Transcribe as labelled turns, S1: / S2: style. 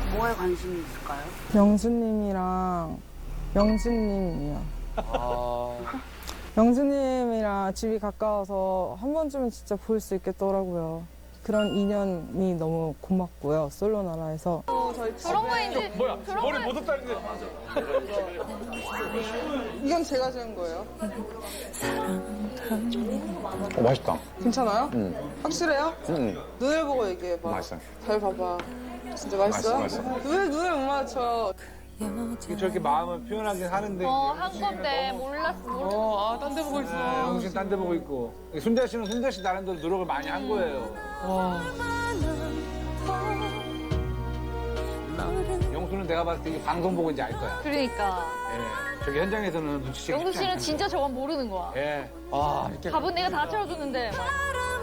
S1: 뭐에 관심이 있을까요?
S2: 영수님이랑 영수님이요. 영수님이랑 집이 가까워서 한 번쯤은 진짜 볼 수 있겠더라고요. 그런 인연이 너무 고맙고요. 솔로 나라에서.
S3: 그런 거인지.
S4: 뭐야? 머리 못 없다는데.
S2: 이건 제가 지은 거예요.
S5: 맛있다.
S2: 괜찮아요? 확실해요?
S5: 응.
S2: 눈을 보고 얘기해봐.
S5: 맛있어요.
S2: 잘 봐봐. 진짜 맛있어요?
S5: 맛있어.
S2: 왜 눈을 못 맞춰?
S4: 저렇게 마음을 표현하긴 하는데.
S3: 한 건데 몰랐어.
S4: 딴 데 보고 있어. 영신 딴 데 보고 있고. 순자 씨는 순자 씨 나름대로 노력을 많이 한 거예요. 영수는 내가 봤을 때 이 방송 보고 이제 알 거야.
S3: 그러니까.
S4: 예. 저기 현장에서는 눈치채기
S3: 영수
S4: 쉽지
S3: 씨는
S4: 않잖아.
S3: 진짜 저건 모르는 거야.
S4: 예.
S3: 밥은 내가 다 차려줬는데.